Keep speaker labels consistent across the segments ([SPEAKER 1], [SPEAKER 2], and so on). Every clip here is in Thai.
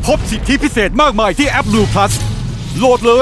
[SPEAKER 1] พบสิทธิพิเศษมากมายที่แอป Blue Plus โหลดเลย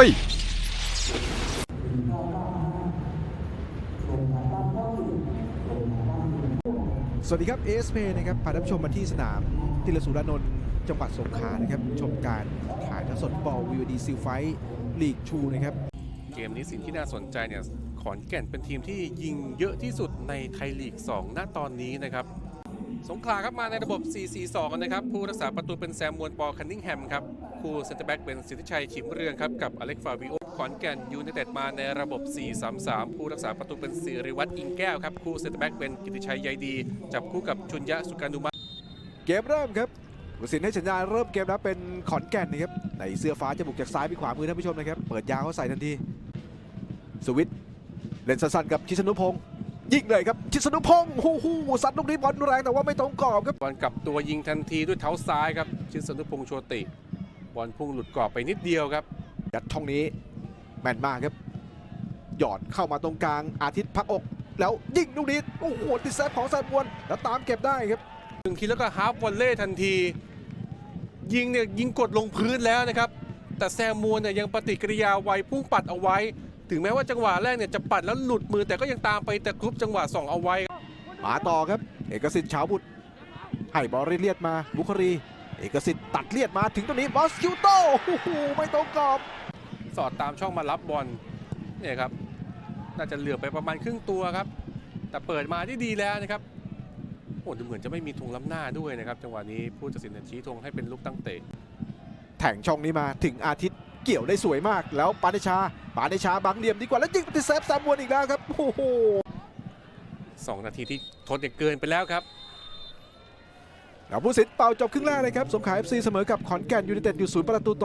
[SPEAKER 2] สวัสดีครับ ASP นะครับพาท่านผู้ชมมาที่สนามติลสุรานนท์จังหวัดสงขลานะครับชมการถ่ายทอดสดบอล VOD ซิลไฟท์ลีก2นะครับ
[SPEAKER 3] เกมนี้สิ่งที่น่าสนใจเนี่ยขอนแก่นเป็นทีมที่ยิงเยอะที่สุดในไทยลีก 2 ณ ตอนนี้นะครับสงขลาครับมาในระบบ 4-4-2 นะครับผู้รักษาประตูเป็นแซมมวนปอคันนิงแฮมครับคู่เซนเตอร์แบ็กเป็นสิทธิชัยฉิมเรืองครับกับอเล็กฟาวิโอขอนแก่นยูไนเต็ดมาในระบบ 4-3-3 ผู้รักษาประตูเป็นศิริวัฒน์อิงแก้วครับคู่เซนเตอร์แบ็กเป็นกิติชัยใยดีจับคู่กับชุนยะสุการนุมา
[SPEAKER 2] เกมเริ่มครับผู้สินให้สัญญาณเริ่มเกมแล้วเป็นขอนแก่นนะครับในเสื้อฟ้าจะบุกจากซ้ายไปขวามือท่านผู้ชมนะครับเปิดยาวเขาใส่ทันทีสวิตเล่นสั้นๆกับชิสนุพงศ์ยิงเลยครับชิสนุพงศ์ซัดลูกนี้บอลแรงแต่ว่าไม่ตรงกรอบครับ
[SPEAKER 3] บอลกลับตัวยิงทันทีด้วยเท้าซ้ายครับชิสนุพงษ์โชติบอลพุ่งหลุดกรอบไปนิดเดียวครับ
[SPEAKER 2] ยัดช่องนี้แม่นมากครับหยอดเข้ามาตรงกลางอาทิตย์พักอกแล้วยิงลูกนี้โอ้โหติดเซฟของแซมมวนแล้วตามเก็บได้ครับ
[SPEAKER 3] 1 ทีแล้วก็ฮาล์ฟวอลเล่ทันทียิงกดลงพื้นแล้วนะครับแต่แซมมวนเนี่ยยังปฏิกิริยาไวพุ่งปัดเอาไว้ถึงแม้ว่าจังหวะแรกเนี่ยจะปัดแล้วหลุดมือแต่ก็ยังตามไปแต่กรุ๊ปจังหวะ2เอาไว้
[SPEAKER 2] มาต่อครับเอกสิทธิ์ฉาวบุตรให้บอลเลียดมาบุครีเอกสิทธิ์ตัดเลียดมาถึงตรงนี้มอสคิวโต้ไม่ตรงกรอบ
[SPEAKER 3] สอดตามช่องมารับบอลเนี่ยครับน่าจะเหลือไปประมาณครึ่งตัวครับแต่เปิดมาได้ดีแล้วนะครับโอ้ดูเหมือนจะไม่มีธงล้ำหน้าด้วยนะครับจังหวะนี้ผู้ตัดสินชี้ธงให้เป็นลูกตั้งเตะ
[SPEAKER 2] แถงช่องนี้มาถึงอาทิตย์เกี่ยวได้สวยมากแล้วปาเดชาบังเหลี่ยมดีกว่าแล้วยิงติดเซฟแซมมวนอีกแล้วครับโอ้โห
[SPEAKER 3] 2 นาทีที่ทดเกินไปแล้วครับ
[SPEAKER 2] แล้วผู้สินเป่าจบครึ่งแรกเลยครับสงขลา FC เสมอกับขอนแก่นยูไนเต็ดอยู่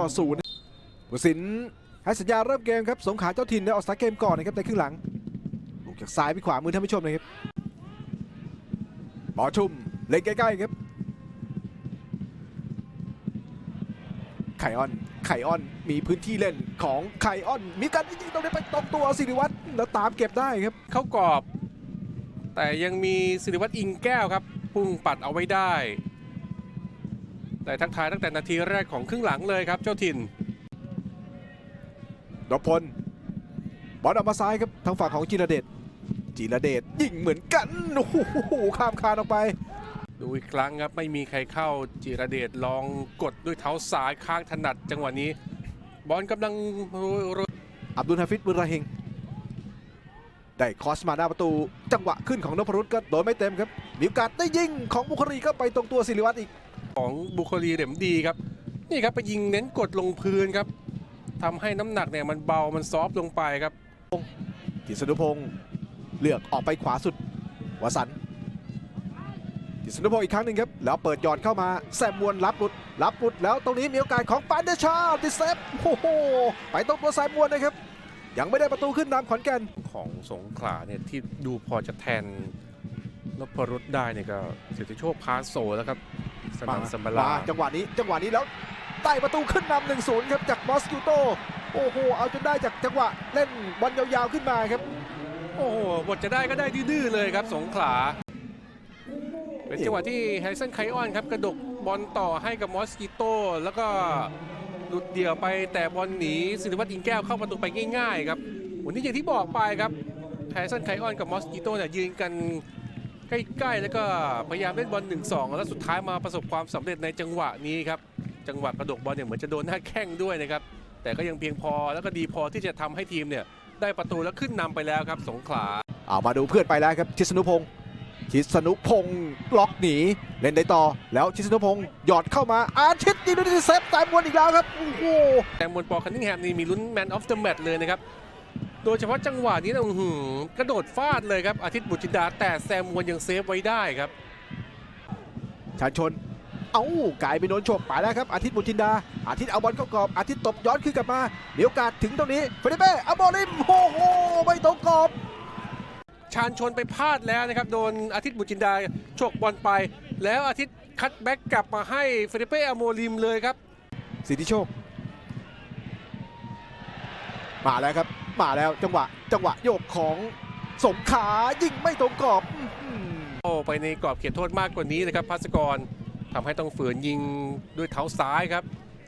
[SPEAKER 2] 0-0ผู้สินให้สัญญาเริ่มเกมครับสงขลาเจ้าถิ่นได้ออกสตาร์ทเกมก่อนนะครับในครึ่งหลังลูกจากซ้ายไปขวามือท่านผู้ชมเลยครับบอลชุ่มเล่นใกล้ๆครับไคออนมีพื้นที่เล่นของไคออนมีการยิงตรงนี้ไปตรงตัวศิริวัฒน์แล้วตามเก็บได้ครับ
[SPEAKER 3] เข้ากรอบแต่ยังมีศิริวัฒน์อิงแก้วครับพุ่งปัดเอาไว้ได้แต่ทักทายตั้งแต่นาทีแรกของครึ่งหลังเลยครับเจ้าถิ่น
[SPEAKER 2] นพพลบอลออกมาซ้ายครับทางฝั่งของจิรเดชยิงเหมือนกันโอ้โหข้ามคานออกไป
[SPEAKER 3] ดูอีกครั้งครับไม่มีใครเข้าจิรเดชลองกดด้วยเท้าซ้ายข้างถนัดจังหวะนี้บอลกำลัง
[SPEAKER 2] อับดุลฮาฟิซบุรราฮิงได้คอสมาหน้าประตูจังหวะขึ้นของนพรุตก็โดนไม่เต็มครับมีโอกาสได้ยิงของบุครีก็ไปตรงตัวศิริวัฒน์อีก
[SPEAKER 3] ของบุคลีเหลมดีครับนี่ครับไปยิงเน้นกดลงพื้นครับทำให้น้ำหนักเนี่ยมันเบามันซอฟต์ลงไปครับ
[SPEAKER 2] กิษณุพงศ์เลือกออกไปขวาสุดวสันต์กิษณุพงศ์อีกครั้งหนึ่งครับแล้วเปิดหยอดเข้ามาแซมมวนรับหลุดแล้วตรงนี้มีโอกาสของปานเดชาติดเซฟโอ้โหไปตรงตัวแซมมวนนะครับยังไม่ได้ประตูขึ้นนำขอนแก่น
[SPEAKER 3] ของสงขลาเนี่ยที่ดูพอจะแทนนพรุตได้เนี่ยก็สิทธิโชคพาโซแล้วครับสนันสัมบลา
[SPEAKER 2] จังหวะนี้แล้วใต้ประตูขึ้นนำ 1-0 ครับจากมอสคิวโตโอ้โหเอาจนได้จากจังหวะเล่นบอลยาวๆขึ้นมาครับ
[SPEAKER 3] โอ้โหบทจะได้ก็ได้ดื้อๆเลยครับสงขลาเป็นจังหวะที่แฮริสันไคออนครับกระดกบอลต่อให้กับมอสคิโตแล้วก็หลุดเดี่ยวไปแต่บอลหนีศิริวัฒน์อิงแก้วเข้าประตูไปง่ายๆครับวันนี้อย่างที่บอกไปครับแฮริสันไคออนกับมอสคิโตเนี่ยยืนกันใกล้ๆแล้วก็พยายามเล่นบอล 1-2 แล้วสุดท้ายมาประสบความสำเร็จในจังหวะนี้ครับจังหวะกระดกบอลเนี่ยเหมือนจะโดนหน้าแข้งด้วยนะครับแต่ก็ยังเพียงพอแล้วก็ดีพอที่จะทำให้ทีมเนี่ยได้ประตูแล้วขึ้นนำไปแล้วครับสงขลา
[SPEAKER 2] มาดูเพื่อนไปแล้วครับชิสนุพงศ์ล็อกหนีเล่นได้ต่อแล้วชิสนุพงศ์หยอดเข้ามาอาทิตย์ยิงด้วยเซฟแซมมวนอีกแล้วครับโอ้โห
[SPEAKER 3] แซมมวนปอคันนิงแฮมนี่มีลุ้นแมนออฟเดอะแมตช์เลยนะครับโดยเฉพาะจังหวะนี้นะกระโดดฟาดเลยครับอาทิตย์บุตรจินดาแต่แซมมวนยังเซฟไว้ได้ครับ
[SPEAKER 2] ชาญชนกลายไปโดนฉกไปแล้วครับอาทิตย์บุตรจินดาอาทิตย์เอาบอลเข้ากรอบอาทิตย์ตบย้อนขึ้นกลับมามีโอกาสถึงตรงนี้เฟเดเป้อโมริมโอ้โหไม่ตรงกรอบ
[SPEAKER 3] ชาญชนไปพลาดแล้วนะครับโดนอาทิตย์บุตรจินดาฉกบอลไปแล้วอาทิตย์คัตแบ็กกลับมาให้เฟเดเป้อโมริมเลยครับ
[SPEAKER 2] สิทธิโชคมาแล้วครับจังหวะโยกของสงขลายิงไม่ตรงกรอบ
[SPEAKER 3] ไปในกรอบเขตโทษมากกว่านี้เลยครับภัสกรทำให้ต้องฝืนยิงด้วยเท้าซ้ายครับ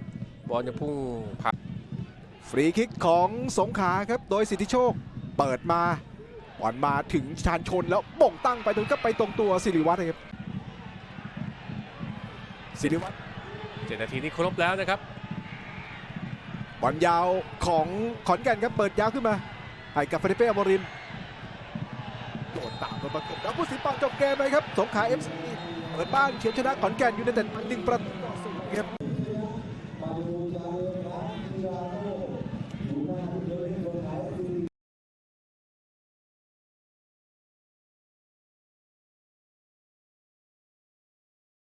[SPEAKER 3] บอลจะพุ่งผ่าน
[SPEAKER 2] ฟรีคิกของสงขลาครับโดยสิทธิโชคเปิดมาบอลมาถึงชานชนแล้วบ่งตั้งไปตรงก็ไปตรงตัวสิริวัฒน์ครับสิริวัฒน์
[SPEAKER 3] 7 นาทีนี้ครบแล้วนะครับ
[SPEAKER 2] บอลยาวของขอนแก่นครับเปิดยาวขึ้นมาให้กับเฟเดเป้อโมริมโดนตามโดนประกบแล้วผู้สินเป่าจบเกมเลยครับสงขลา FC เปิดบ้านเขียวชนะขอนแก่นยูไนเต็ด1-0